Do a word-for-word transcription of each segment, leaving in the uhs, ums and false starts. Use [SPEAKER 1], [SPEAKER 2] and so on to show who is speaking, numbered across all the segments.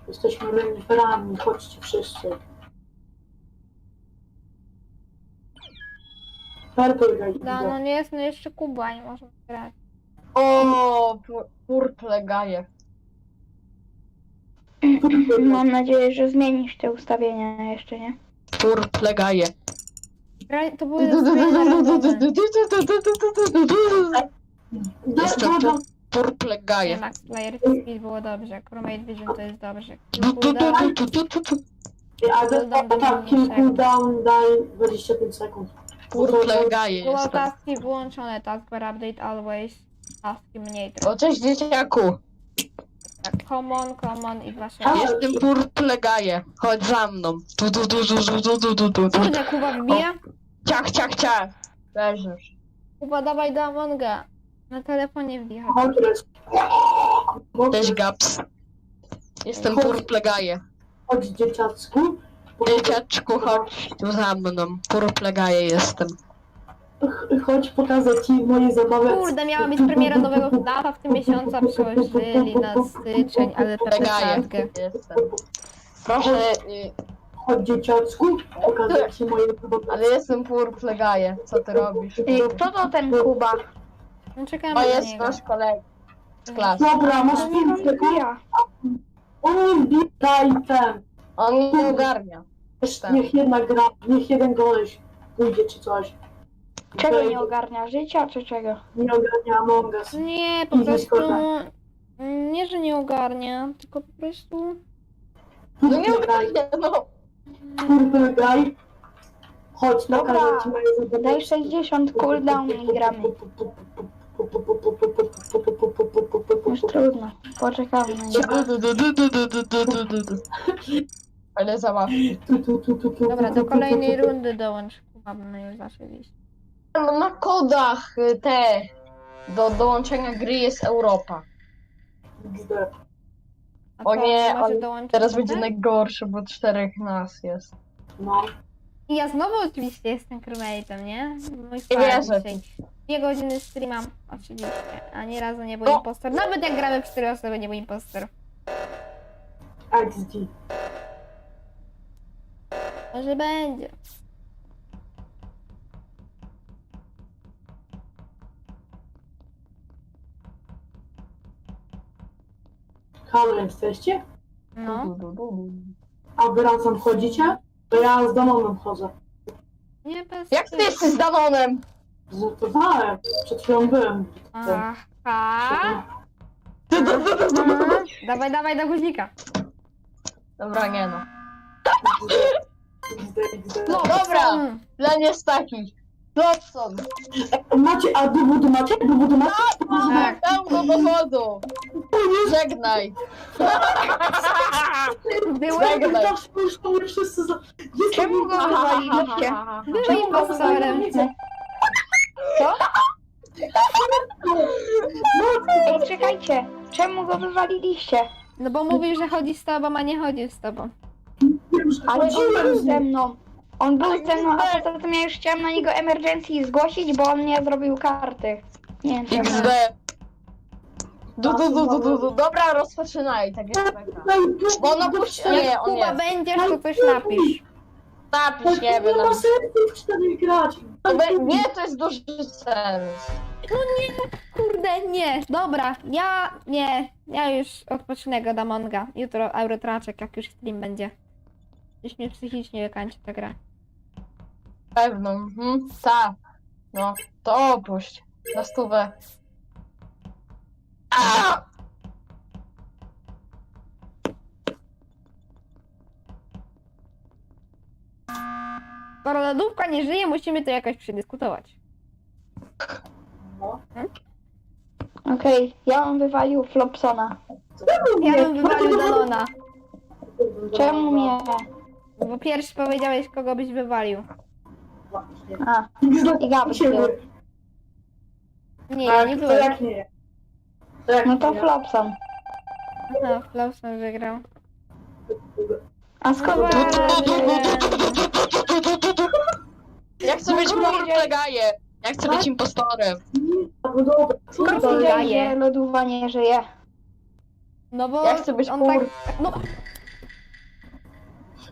[SPEAKER 1] Jesteśmy reniferami, chodźcie wszyscy. Purple Guy.
[SPEAKER 2] No, no nie jest, no jeszcze Kuba, nie możemy grać.
[SPEAKER 3] O, purple gaje.
[SPEAKER 4] Mam nadzieję, że zmienisz te ustawienia jeszcze, nie?
[SPEAKER 3] Purple gaje.
[SPEAKER 2] Gra- To były ustawienia narodowe.
[SPEAKER 3] Jestem
[SPEAKER 1] Dobra,
[SPEAKER 3] purple
[SPEAKER 2] Nie,
[SPEAKER 3] gaje.
[SPEAKER 2] Max Player Speed było dobrze, Chromate Vision to jest dobrze. Cooldown,
[SPEAKER 1] ale tak, kill cooldown daj dwadzieścia pięć sekund.
[SPEAKER 3] Purple gaje
[SPEAKER 2] było
[SPEAKER 3] jestem.
[SPEAKER 2] taski włączone, taskbar update always, taski mniej trochę.
[SPEAKER 3] O, cześć dzieciaku.
[SPEAKER 2] Tak, common, common i dwa
[SPEAKER 1] Ale-
[SPEAKER 2] sześć.
[SPEAKER 3] Jestem purple gaje. Chodź za mną. Tu, tu, tu, tu, tu, tu, tu, tu, tu.
[SPEAKER 2] Kurde, Kuba wybija?
[SPEAKER 3] Ciach, ciach, ciach. Leżysz.
[SPEAKER 2] Kuba, dawaj do Amonga. Na telefonie wbija.
[SPEAKER 1] Chodź,
[SPEAKER 3] Cześć Gaps. Jestem purple gaje.
[SPEAKER 1] chodź dzieciacku.
[SPEAKER 3] Dzieciaczku, chodź tu za mną. Purple gaje jestem.
[SPEAKER 1] Ch- Chodź pokazać ci moje zabawy.
[SPEAKER 2] Kurde, miała być premiera nowego data w tym miesiącu, a przełożyli na styczeń, ale
[SPEAKER 3] Purple gaje
[SPEAKER 2] przesadkę.
[SPEAKER 3] jestem. Proszę, y,
[SPEAKER 1] Chodź dzieciacku, pokazać ci moje zabawy.
[SPEAKER 3] ale jestem purple gaje. Co ty robisz?
[SPEAKER 4] Ej, kto to ten Kuba?
[SPEAKER 2] No czekamy
[SPEAKER 3] To
[SPEAKER 2] na
[SPEAKER 3] jest
[SPEAKER 2] niego.
[SPEAKER 3] nasz kolega z klasy.
[SPEAKER 1] Dobra, masz
[SPEAKER 4] No niech on
[SPEAKER 1] pięć sekund.
[SPEAKER 4] wbija.
[SPEAKER 1] On wbijaj ten.
[SPEAKER 3] On nie ogarnia. Tak.
[SPEAKER 1] Niech jedna gra, niech jeden goleś pójdzie czy coś.
[SPEAKER 4] Czego
[SPEAKER 1] Okej,
[SPEAKER 4] nie ogarnia? Życia czy czego?
[SPEAKER 1] Nie ogarnia Among Us.
[SPEAKER 2] Nie, po
[SPEAKER 1] I
[SPEAKER 2] prostu...
[SPEAKER 1] Discorda.
[SPEAKER 2] Nie, że nie ogarnia, tylko po prostu...
[SPEAKER 3] No nie
[SPEAKER 1] Purple Guy,
[SPEAKER 3] ogarnia, no.
[SPEAKER 1] Purple Guy. Chodź,
[SPEAKER 4] Dobra,
[SPEAKER 1] pokażę ci moje zabawy.
[SPEAKER 4] Daj sześćdziesiąt cooldown i gramy. Już trudno. Poczekamy na niego.
[SPEAKER 3] Ale zabawnie.
[SPEAKER 2] Dobra, do kolejnej rundy dołącz. Kuba, bo my już zaczęliśmy.
[SPEAKER 3] No na kodach y, te do dołączenia gry jest Europa.
[SPEAKER 2] A
[SPEAKER 3] O
[SPEAKER 2] co,
[SPEAKER 3] nie,
[SPEAKER 2] może
[SPEAKER 3] on
[SPEAKER 2] dołączyć
[SPEAKER 3] teraz
[SPEAKER 2] do
[SPEAKER 3] będzie
[SPEAKER 2] tego?
[SPEAKER 3] najgorszy, bo czterech nas jest.
[SPEAKER 1] No.
[SPEAKER 2] I ja znowu oczywiście jestem crewmate'em, nie? Mój
[SPEAKER 3] Nie
[SPEAKER 2] stary
[SPEAKER 3] wierzę.
[SPEAKER 2] dzisiaj. Dwie godziny streamam, oczywiście. A nie razu nie był
[SPEAKER 3] O!
[SPEAKER 2] impostor. Nawet jak gramy w cztery osoby, nie był impostor.
[SPEAKER 1] X D.
[SPEAKER 2] Może będzie.
[SPEAKER 1] Halo, jesteście?
[SPEAKER 2] No.
[SPEAKER 1] A wy razem chodzicie? To ja z Danonem chodzę.
[SPEAKER 2] Nie bez...
[SPEAKER 3] Jak ty jesteś z Danonem?
[SPEAKER 1] Żartowałem. Przed chwilą byłem.
[SPEAKER 2] Aha. Aha. Dawaj, dawaj do guzika.
[SPEAKER 3] Dobra, nie no.
[SPEAKER 1] X D, X D.
[SPEAKER 3] No dobra,
[SPEAKER 2] Mm.
[SPEAKER 3] plan jest taki. Watson,
[SPEAKER 1] Macie, a dowodu macie? Dowodu macie?
[SPEAKER 2] Tak.
[SPEAKER 3] dam go do wodu. Żegnaj.
[SPEAKER 2] Było,
[SPEAKER 3] Żegnaj.
[SPEAKER 1] Zawsze już to mnie wszyscy za... Jest
[SPEAKER 4] Czemu go wywaliliście?
[SPEAKER 2] było impostorem.
[SPEAKER 4] Co? Ej, czekajcie. Czemu go wywaliliście?
[SPEAKER 2] No bo mówił, że chodzi z tobą, a nie chodził z tobą.
[SPEAKER 4] Ale on był
[SPEAKER 1] Chodziłem.
[SPEAKER 4] ze mną. On był ze mną, a poza tym ja już chciałam na niego emergency zgłosić, bo on nie zrobił karty. Nie wiem czemu.
[SPEAKER 3] X D. Du, du, du, du, du, du. Dobra, rozpoczynaj, tak jest beka. Bo on opuści... Nie,
[SPEAKER 2] Jak
[SPEAKER 3] on
[SPEAKER 2] Kuba
[SPEAKER 3] nie.
[SPEAKER 2] będziesz, to coś napisz.
[SPEAKER 3] Napisz, nie wiem.
[SPEAKER 1] Nie ma
[SPEAKER 3] napisz.
[SPEAKER 1] sensu w cztery grać.
[SPEAKER 3] To be- Nie, to jest duży sens.
[SPEAKER 2] Kurde, nie. Dobra, ja nie. Ja już odpocznę go do Monga. Jutro Eurotraczek, jak już stream będzie. Już mnie psychicznie wykańczy ta gra.
[SPEAKER 3] Pewno, mhm, tak. No, to opuść. Na stówę. A!
[SPEAKER 2] Skoro lodówka nie żyje, musimy to jakoś przedyskutować.
[SPEAKER 4] Okej, ja bym wywalił Flopsona.
[SPEAKER 2] Ja bym wywalił Danona.
[SPEAKER 4] Czemu mnie?
[SPEAKER 2] Bo pierwszy powiedziałeś, kogo byś wywalił.
[SPEAKER 4] A, i Gabi był.
[SPEAKER 2] Nie, ja nie
[SPEAKER 1] Tak, to
[SPEAKER 2] byłem.
[SPEAKER 1] jak nie? To jak
[SPEAKER 4] No to
[SPEAKER 1] nie?
[SPEAKER 4] Flopson.
[SPEAKER 2] No, Flausen wygrał.
[SPEAKER 4] A skąd
[SPEAKER 3] Ja chcę być purple gaje. Ja chcę być impostorem.
[SPEAKER 1] No dobra.
[SPEAKER 4] skąd
[SPEAKER 2] to
[SPEAKER 4] wiedziałeś,
[SPEAKER 2] daje?
[SPEAKER 4] że lodówa nie żyje?
[SPEAKER 2] No bo
[SPEAKER 3] Ja chcę być
[SPEAKER 2] on
[SPEAKER 3] pur...
[SPEAKER 2] tak... No,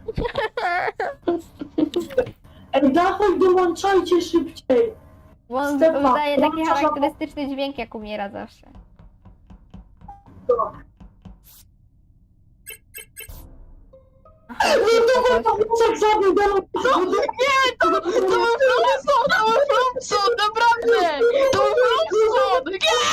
[SPEAKER 1] Ej, dawaj, dołączajcie szybciej.
[SPEAKER 2] Bo on
[SPEAKER 1] Stefan,
[SPEAKER 2] wydaje taki
[SPEAKER 1] dołączasz na-
[SPEAKER 2] charakterystyczny dźwięk, jak umiera zawsze. Aha,
[SPEAKER 1] Dawaj,
[SPEAKER 2] to coś.
[SPEAKER 1] jak żadny demon.
[SPEAKER 3] Nie, to, to był Flumson, to był Flumson, naprawdę! To był Flumson!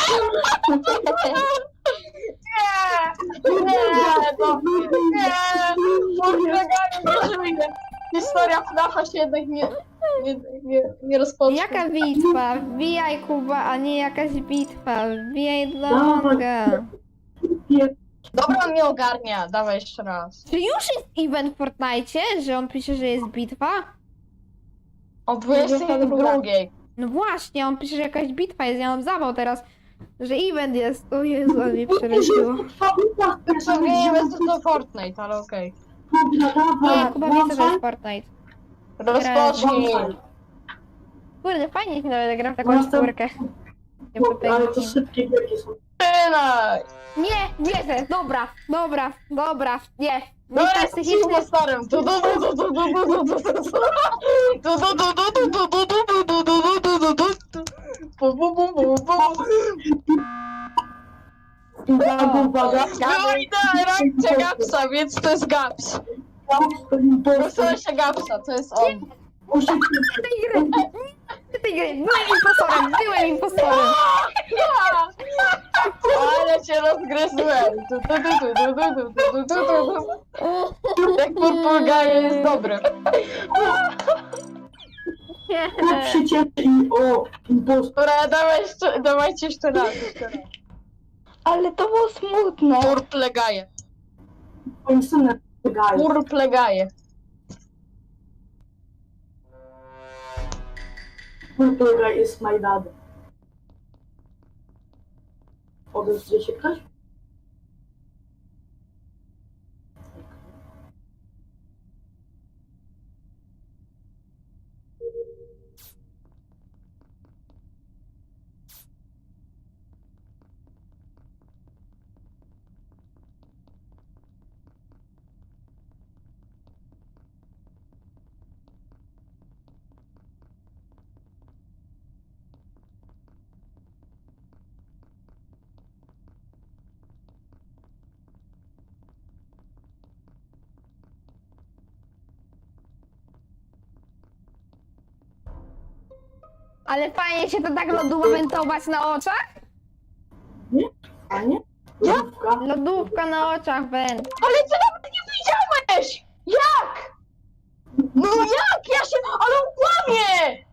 [SPEAKER 3] Nie! Nie! Nie! To, nie! Furtleganie nie żyje! Historia Fnafa się jednak nie, nie, nie, nie rozpocznie.
[SPEAKER 2] Jaka bitwa? Wbijaj, Kuba, a nie jakaś bitwa. Wbijaj do
[SPEAKER 1] Dawaj.
[SPEAKER 2] Amonga.
[SPEAKER 3] Dobra, on nie ogarnia, dawaj jeszcze raz.
[SPEAKER 2] Czy już jest event w Fortnite, że on pisze, że jest bitwa?
[SPEAKER 3] O dwudziestej drugiej.
[SPEAKER 2] No właśnie, on pisze, że jakaś bitwa jest. Ja mam zawał teraz, że event jest. O Jezu, ale mnie przeraziło.
[SPEAKER 3] Co nie jest to Fortnite, ale okej.
[SPEAKER 2] Nie, Kuba wie, co to jest Fortnite.
[SPEAKER 3] Rozpocznij.
[SPEAKER 2] Kurde, fajnie się nawet gra w taką
[SPEAKER 1] Następ-
[SPEAKER 2] czwórkę. Nie,
[SPEAKER 1] Ale to szybkie wielkie są.
[SPEAKER 3] Zaczynaj!
[SPEAKER 2] Nie, wierzę, dobra, dobra, dobra, nie.
[SPEAKER 3] No
[SPEAKER 2] Jestem
[SPEAKER 3] jest
[SPEAKER 2] psychicznie.
[SPEAKER 3] cicho starym. Tu, tu, tu, tu, tu, tu, tu, tu, tu, tu. Tu, tu, tu, tu, tu, tu, tu, tu, tu, tu, tu, tu, tu, tu, tu. Pu, pu, pu, pu, pu.
[SPEAKER 1] Uwaga, uwaga.
[SPEAKER 3] Byłeś na reakcja Gapsa, więc to jest Gaps. Proszę się Gapsa, to jest on.
[SPEAKER 1] Muszę
[SPEAKER 2] tej gry. Nie tej gry. Byłem impostorem, byłem impostorem.
[SPEAKER 3] Ale cię rozgryzłem. Tu, tu, tu, tu, tu, tu, tu, tu, tu, tu. Jak Purpurgaje jest dobry.
[SPEAKER 2] Nie.
[SPEAKER 1] przycieszy i o, impostor.
[SPEAKER 3] Dobra, dawaj jeszcze, dawajcie jeszcze raz. Jeszcze raz.
[SPEAKER 4] Ale to było smutne.
[SPEAKER 3] Purplegaje.
[SPEAKER 1] Moim synem wygaje.
[SPEAKER 3] Purplegaje.
[SPEAKER 1] Purpurga is my dad. Odezwie się ktoś?
[SPEAKER 2] Ale fajnie się to tak lodowentować na oczach?
[SPEAKER 1] A nie? Lodówka.
[SPEAKER 2] Lodówka na oczach, węd.
[SPEAKER 3] Ale ty nawet nie widziałeś! Jak? No jak? Ja się... Ale on kłamie!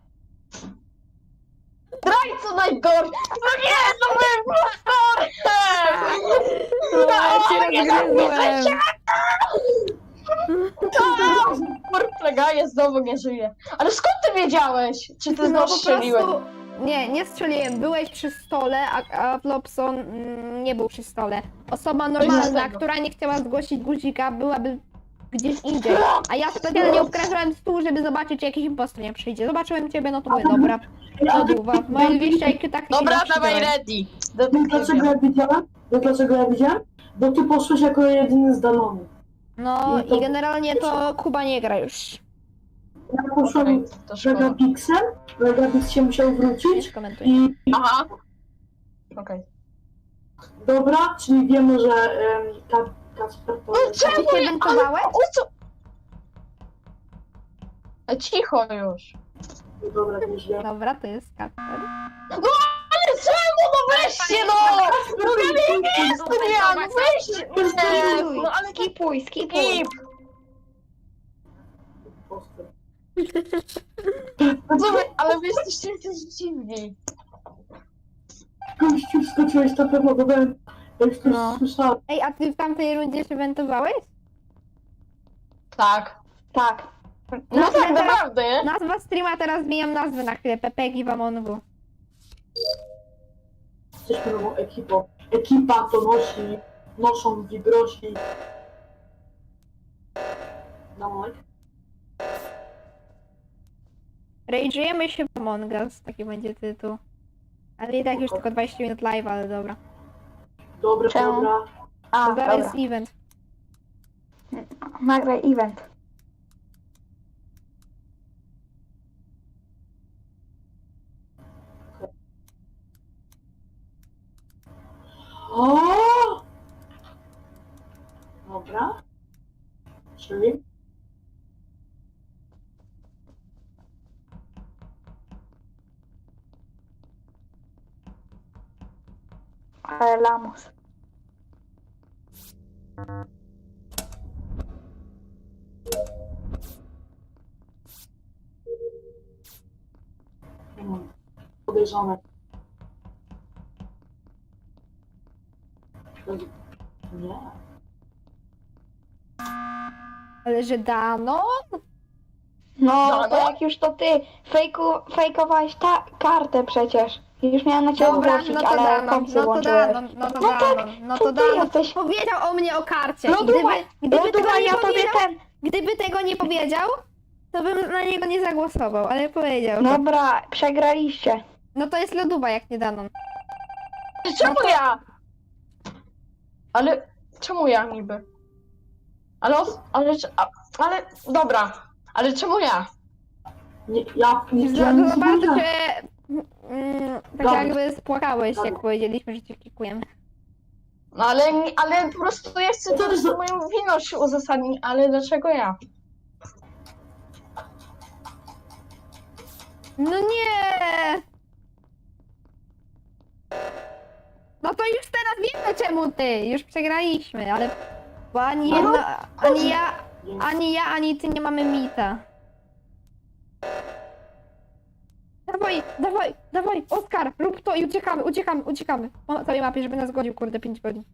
[SPEAKER 3] Zdrajco najgorszy! No nie, no byłem impostorem!
[SPEAKER 2] Ja cię rozgryzłem.
[SPEAKER 3] Purplegaje znowu nie żyje. Ale skąd ty wiedziałeś? Czy ty
[SPEAKER 2] No
[SPEAKER 3] znowu
[SPEAKER 2] po
[SPEAKER 3] strzeliłeś?
[SPEAKER 2] prostu... Nie, nie strzeliłem. Byłeś przy stole, a, a Flopson mm, nie był przy stole. Osoba normalna,
[SPEAKER 3] tego.
[SPEAKER 2] która nie chciała zgłosić guzika, byłaby gdzieś indziej. A ja specjalnie obkrążyłem stół, żeby zobaczyć, czy jakiś impostor nie przyjdzie. Zobaczyłem ciebie, no to mówię, dobra. Lodówa. Moje dwieście I Q tak nie
[SPEAKER 3] Dobra,
[SPEAKER 2] zawsze
[SPEAKER 3] dawaj
[SPEAKER 2] dałem.
[SPEAKER 3] ready.
[SPEAKER 1] Wiesz dlaczego ja widziałem? Wiesz dlaczego ja widziałem? Bo ty poszłeś jako jedyny z Danonu.
[SPEAKER 2] No i generalnie to Kuba nie gra już.
[SPEAKER 1] Ja poszłem
[SPEAKER 3] To szkoda.
[SPEAKER 1] Megapixel, Megapix się musiał
[SPEAKER 2] Nie
[SPEAKER 1] wrócić
[SPEAKER 2] skomentuj.
[SPEAKER 1] i
[SPEAKER 3] Aha. Okej.
[SPEAKER 1] dobra, czyli wiemy, że um, Kacper to
[SPEAKER 3] No
[SPEAKER 1] jest...
[SPEAKER 3] czemu?
[SPEAKER 2] Ty się
[SPEAKER 3] Ale,
[SPEAKER 2] wentowałeś?
[SPEAKER 3] o co? E, Cicho już.
[SPEAKER 1] Dobra, nieźle.
[SPEAKER 2] Dobra, to jest Kasper.
[SPEAKER 3] No ale czemu? No weźcie no! No ja nie jestem ja! No weźcie! Nie, no ale
[SPEAKER 4] Skipuj, skipuj.
[SPEAKER 3] skip!
[SPEAKER 1] Impostor.
[SPEAKER 3] Co wy, ale wy jesteście jakieś dziwni.
[SPEAKER 1] Gościu, wskoczyłeś na pewno, bo byłem... Ja już to
[SPEAKER 2] No.
[SPEAKER 1] słyszałem.
[SPEAKER 2] Ej, a ty w tamtej rundzie się wentowałeś?
[SPEAKER 3] Tak.
[SPEAKER 4] Tak.
[SPEAKER 3] No
[SPEAKER 2] Nazwę
[SPEAKER 3] tak,
[SPEAKER 2] teraz-
[SPEAKER 3] naprawdę, nie?
[SPEAKER 2] Nazwa streama, teraz zmieniam nazwę na chwilę. Pepegi w Amongu.
[SPEAKER 1] Jesteśmy nową ekipą. Ekipa to nosi, noszą wibrosi. No,
[SPEAKER 2] Rage'ujemy się w Among Us, taki będzie tytuł. Ale i tak już tylko dwadzieścia minut live, ale dobra.
[SPEAKER 1] dobra,
[SPEAKER 4] Czemu?
[SPEAKER 1] dobra.
[SPEAKER 4] A,
[SPEAKER 2] Zaraz
[SPEAKER 4] dobra.
[SPEAKER 2] jest event.
[SPEAKER 4] Nagraj event.
[SPEAKER 1] O! Dobra. Czyli?
[SPEAKER 4] Ale lamus.
[SPEAKER 1] Hmm. Podejrzane. Nie.
[SPEAKER 2] Ale że dano?
[SPEAKER 4] No,
[SPEAKER 3] No,
[SPEAKER 4] to
[SPEAKER 3] no.
[SPEAKER 4] jak już to ty fejku, fejkowałeś ta kartę przecież. Już miałem na ciebie
[SPEAKER 2] Dobra,
[SPEAKER 4] zgłosić,
[SPEAKER 2] no to
[SPEAKER 4] ale
[SPEAKER 2] dano,
[SPEAKER 4] kompsy
[SPEAKER 2] no to
[SPEAKER 4] włączyłeś.
[SPEAKER 2] dano, no to
[SPEAKER 4] No tak,
[SPEAKER 2] dano, no
[SPEAKER 4] to
[SPEAKER 2] to
[SPEAKER 4] ty
[SPEAKER 2] dano.
[SPEAKER 4] jesteś.
[SPEAKER 2] Powiedział o mnie o karcie. I
[SPEAKER 4] Loduwa,
[SPEAKER 2] gdyby, gdyby tego
[SPEAKER 4] Loduwa,
[SPEAKER 2] nie
[SPEAKER 4] ja tobie
[SPEAKER 2] powiedział,
[SPEAKER 4] ten...
[SPEAKER 2] gdyby tego nie powiedział, to bym na niego nie zagłosował, ale powiedział. to.
[SPEAKER 4] Dobra, przegraliście.
[SPEAKER 2] No to jest loduwa jak nie dano.
[SPEAKER 3] Czemu ja? Ale czemu ja niby? Ale, os- ale, a- ale, dobra, ale czemu ja?
[SPEAKER 1] Nie, ja nie
[SPEAKER 2] Za,
[SPEAKER 1] chciałem nic
[SPEAKER 2] za bardzo
[SPEAKER 1] powiedzieć.
[SPEAKER 2] się mm, tak
[SPEAKER 1] Dobra.
[SPEAKER 2] jakby spłakałeś,
[SPEAKER 1] Dobra.
[SPEAKER 2] jak powiedzieliśmy, że cię klikujemy.
[SPEAKER 3] No ale, ale po prostu ja chcę
[SPEAKER 1] Co
[SPEAKER 3] to
[SPEAKER 1] ty za-
[SPEAKER 3] moją winość uzasadnić, ale dlaczego ja?
[SPEAKER 2] No nie! No to już teraz wiemy czemu ty, już przegraliśmy, ale bo ani
[SPEAKER 1] No,
[SPEAKER 2] jedna, ani ja,
[SPEAKER 1] Nie.
[SPEAKER 2] ani ja, ani ty nie mamy mita. Dawaj, dawaj, dawaj, Oskar, rób to i uciekamy, uciekamy, uciekamy. Na całej mapie, żeby nas godził, kurde, pięć godzin.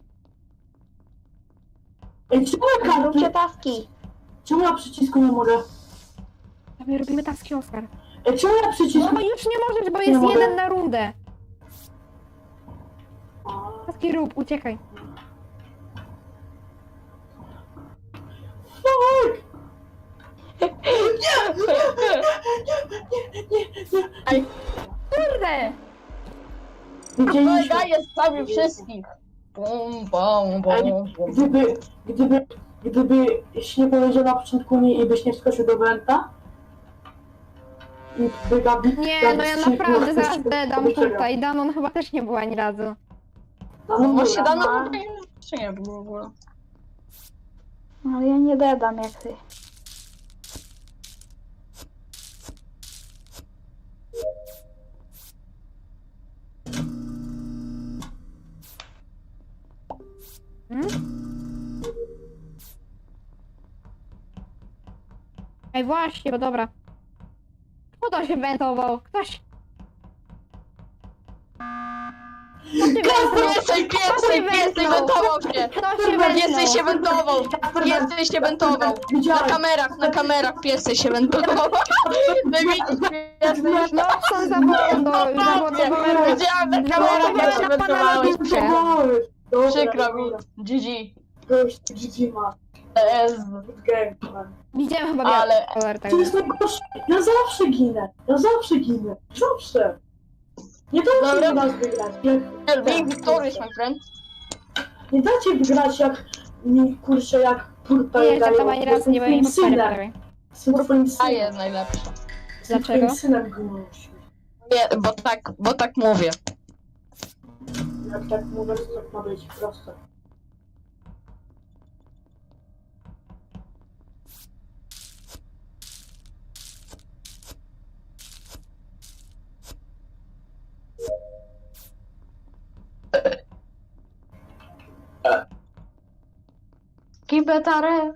[SPEAKER 1] Ej, czemu ja
[SPEAKER 4] Róbcie
[SPEAKER 1] karty?
[SPEAKER 4] taski.
[SPEAKER 1] Czemu ja przycisku nie mogę?
[SPEAKER 2] Dawaj, robimy taski, Oskar.
[SPEAKER 1] Ej, czemu ja
[SPEAKER 2] No
[SPEAKER 1] przycisku...
[SPEAKER 2] bo już nie możesz, bo
[SPEAKER 1] Nie
[SPEAKER 2] jest
[SPEAKER 1] mogę.
[SPEAKER 2] jeden na rundę.
[SPEAKER 1] A,
[SPEAKER 2] Taski rób, uciekaj.
[SPEAKER 1] Fuck!
[SPEAKER 3] Ej,
[SPEAKER 2] Kurde!
[SPEAKER 1] Wiedzieliśmy.
[SPEAKER 3] kolega jest prawie wszystkich. Bum, bum,
[SPEAKER 1] Ej,
[SPEAKER 3] bum, bum.
[SPEAKER 1] gdyby, gdyby, gdybyś nie powiedział na początku nie i byś nie wskoczył do Wenta i by Gabi...
[SPEAKER 2] Nie,
[SPEAKER 1] Gabi
[SPEAKER 2] no ja
[SPEAKER 1] strzelił,
[SPEAKER 2] naprawdę
[SPEAKER 1] to
[SPEAKER 2] zaraz
[SPEAKER 1] byś-
[SPEAKER 2] dedam
[SPEAKER 1] to byś przegrał.
[SPEAKER 2] tutaj. Danon chyba też nie była ani razu.
[SPEAKER 1] No,
[SPEAKER 3] No
[SPEAKER 1] no,
[SPEAKER 3] właśnie
[SPEAKER 1] dobra.
[SPEAKER 3] dano
[SPEAKER 4] no.
[SPEAKER 3] tutaj jeszcze nie było w ogóle.
[SPEAKER 4] No ale ja nie dedam jak ty.
[SPEAKER 2] Hmm? Ej, właśnie, bo dobra. Kto to się wentował? Ktoś... Kto się wentował?
[SPEAKER 3] Piesej, piesej, piesej wentował się!
[SPEAKER 2] Kto się
[SPEAKER 3] Piesej się
[SPEAKER 2] wentował?
[SPEAKER 3] wentował! Piesej się wentował! Na
[SPEAKER 1] Widziałem.
[SPEAKER 3] kamerach, na kamerach piesej się wentował! No widzisz, piesej
[SPEAKER 2] No, są zawodowe, zawodowe.
[SPEAKER 3] Widziałem na kamerach, jak się
[SPEAKER 2] Na pana
[SPEAKER 3] wentowałeś.
[SPEAKER 2] lodówkę.
[SPEAKER 1] Dobra,
[SPEAKER 3] Przykro mi.
[SPEAKER 1] dobra.
[SPEAKER 3] G G.
[SPEAKER 1] Gość, G G ma.
[SPEAKER 3] Ez.
[SPEAKER 1] Good game, man.
[SPEAKER 2] Widziałem chyba
[SPEAKER 3] Ale-
[SPEAKER 2] biały kolor tak.
[SPEAKER 1] To jest najgorsze. Ja zawsze ginę. Ja zawsze ginę. Zawsze. Nie dajcie
[SPEAKER 3] Dobra.
[SPEAKER 1] mi nas wygrać. Jak,
[SPEAKER 3] Being victorious, my friend.
[SPEAKER 1] nie dajcie wygrać jak mi kurczę jak purpa
[SPEAKER 2] Nie,
[SPEAKER 1] dają.
[SPEAKER 2] tak to ani razu nie byłem
[SPEAKER 1] Jestem twoim
[SPEAKER 2] impostorem,
[SPEAKER 1] synem.
[SPEAKER 2] prawie.
[SPEAKER 1] Jestem twoim
[SPEAKER 3] A
[SPEAKER 1] synem.
[SPEAKER 3] jest najlepsza.
[SPEAKER 1] Jestem
[SPEAKER 2] Dlaczego?
[SPEAKER 1] twoim synem, Gnuś.
[SPEAKER 3] Nie, bo tak, bo tak mówię.
[SPEAKER 1] Jak tak mówię, to tak ma być proste.
[SPEAKER 3] Kibetare.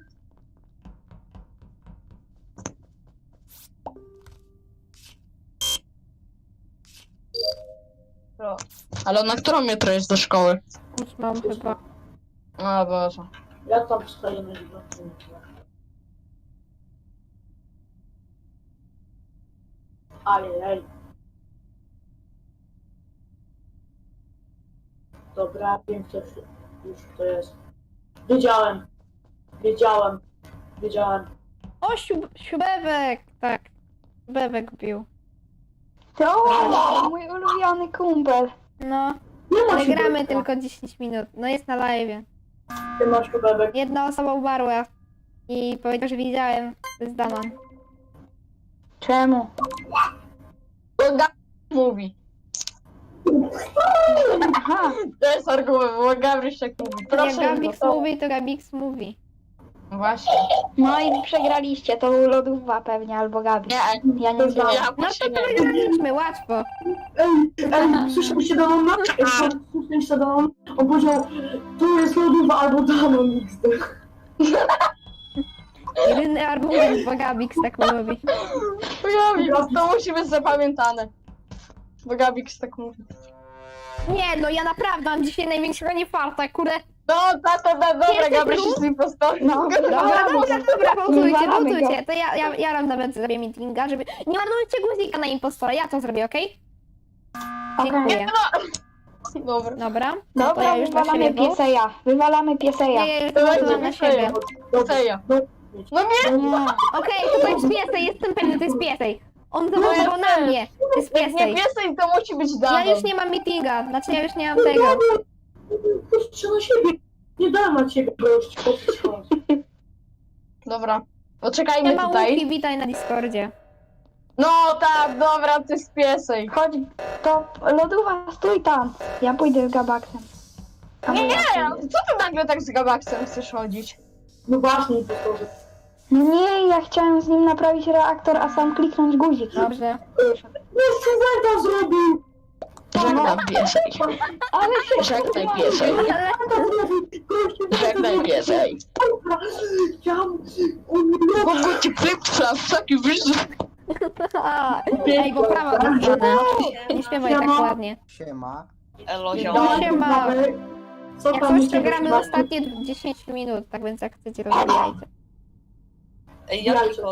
[SPEAKER 3] Ale na którą jutro jest do szkoły?
[SPEAKER 2] Ósmą chyba.
[SPEAKER 3] O Boże.
[SPEAKER 1] Ja tam stoję na dziewiątym. Ajej. Dobra, wiem kto już, już kto jest. Wiedziałem. Wiedziałem. Wiedziałem.
[SPEAKER 2] O, siub, siubewek! Tak. Siubewek bił.
[SPEAKER 4] To mój ulubiony kumpel.
[SPEAKER 2] No,
[SPEAKER 1] Nie ma
[SPEAKER 2] ale
[SPEAKER 1] się
[SPEAKER 2] gramy
[SPEAKER 1] beka.
[SPEAKER 2] tylko dziesięć minut. No jest na live.
[SPEAKER 1] Ty masz kubebek.
[SPEAKER 2] Jedna osoba umarła i powiedział, że widziałem. To jest Danon.
[SPEAKER 4] Czemu?
[SPEAKER 3] To ga- mówi.
[SPEAKER 4] Aha,
[SPEAKER 3] To jest argument, bo Gabryś tak mówi.
[SPEAKER 2] Jak
[SPEAKER 3] Proszę,
[SPEAKER 2] Gabix
[SPEAKER 3] no to...
[SPEAKER 2] mówi, to Gabix mówi.
[SPEAKER 3] Właśnie.
[SPEAKER 4] no i przegraliście, to był lodówka pewnie, albo Gabi.
[SPEAKER 3] Nie,
[SPEAKER 4] Ja nie wiem.
[SPEAKER 3] ja
[SPEAKER 2] No
[SPEAKER 3] właśnie
[SPEAKER 2] to
[SPEAKER 3] nie.
[SPEAKER 2] wygraliśmy, łatwo.
[SPEAKER 1] Ej, ej, słyszeliście Damona? Ej, słyszeliście Damona? On powiedział, tu jest lodówa albo Damon X D.
[SPEAKER 2] Jedyny argument, bo Gabix tak mówi.
[SPEAKER 3] Gabix, to musi być zapamiętane. Bo Gabix tak mówi.
[SPEAKER 2] Nie, no ja naprawdę mam dzisiaj największego niefarta, kurde.
[SPEAKER 3] No, tato, da, dobra,
[SPEAKER 2] Jesteś
[SPEAKER 3] Gabryś
[SPEAKER 2] tu?
[SPEAKER 3] jest mi postawił.
[SPEAKER 4] No,
[SPEAKER 2] Dobra, dobra, dobra, pauzujcie,
[SPEAKER 4] Wywalamy go.
[SPEAKER 2] pauzujcie. To ja, ja, ja random zrobię meetinga, żeby... Nie marnujcie guzika na impostora, ja to zrobię, okej?
[SPEAKER 4] Okej.
[SPEAKER 2] Dziękuję.
[SPEAKER 3] Dobra.
[SPEAKER 2] Dobra, to
[SPEAKER 4] Dobra,
[SPEAKER 2] ja już na
[SPEAKER 4] wywalamy
[SPEAKER 2] siebie, bo...
[SPEAKER 4] pieseja. Wywalamy pieseja.
[SPEAKER 2] Nie, ja już
[SPEAKER 3] To będzie
[SPEAKER 2] to na siebie.
[SPEAKER 3] Seja. No nie,
[SPEAKER 4] Nie.
[SPEAKER 2] Okej, to, to jest piesej, jestem pewny, to jest piesej. On
[SPEAKER 3] No ja
[SPEAKER 2] zawołał na
[SPEAKER 3] też.
[SPEAKER 2] mnie, to jest
[SPEAKER 3] jak nie
[SPEAKER 2] piesej.
[SPEAKER 3] piesej, to musi być
[SPEAKER 2] Ja
[SPEAKER 3] Damon.
[SPEAKER 2] już nie mam meetinga, znaczy ja już nie mam tego.
[SPEAKER 1] Proszę na siebie. Nie dam na ciebie gość.
[SPEAKER 3] Dobra,
[SPEAKER 2] Nie
[SPEAKER 3] poczekajmy
[SPEAKER 2] ma
[SPEAKER 3] tutaj.
[SPEAKER 2] łuki, witaj na Discordzie.
[SPEAKER 3] No tak, dobra, ty jest piesej.
[SPEAKER 4] Chodź, to lodówa, stój tam. Ja pójdę z Gabaksem. A
[SPEAKER 3] Nie,
[SPEAKER 4] wy-
[SPEAKER 3] nie, co ty nagle tak z Gabaksem chcesz chodzić?
[SPEAKER 1] No właśnie, impostorze.
[SPEAKER 4] No nie, ja chciałem z nim naprawić reaktor, a sam kliknąć guzik.
[SPEAKER 2] Dobrze.
[SPEAKER 1] Jeszcze Zeta zrobił!
[SPEAKER 3] Żegnam piesej.
[SPEAKER 4] Ale się
[SPEAKER 3] Żegnaj piesej.
[SPEAKER 2] Ale
[SPEAKER 3] Żegnaj piesej.
[SPEAKER 1] Ja... On nie...
[SPEAKER 3] Mogę ci flip-flap, taki wyższy.
[SPEAKER 2] Ej, bo prawo włączone. Nie śpiewaj tak ładnie.
[SPEAKER 5] Siema.
[SPEAKER 3] Elo,
[SPEAKER 2] No siema.
[SPEAKER 1] Co
[SPEAKER 2] Jak
[SPEAKER 1] tam u
[SPEAKER 2] coś, to
[SPEAKER 1] ciebie
[SPEAKER 2] gramy
[SPEAKER 1] smaku?
[SPEAKER 2] ostatnie dziesięć minut, tak więc jak chcecie, rozwijajcie.
[SPEAKER 6] Ej,
[SPEAKER 1] Jajko.
[SPEAKER 6] jaki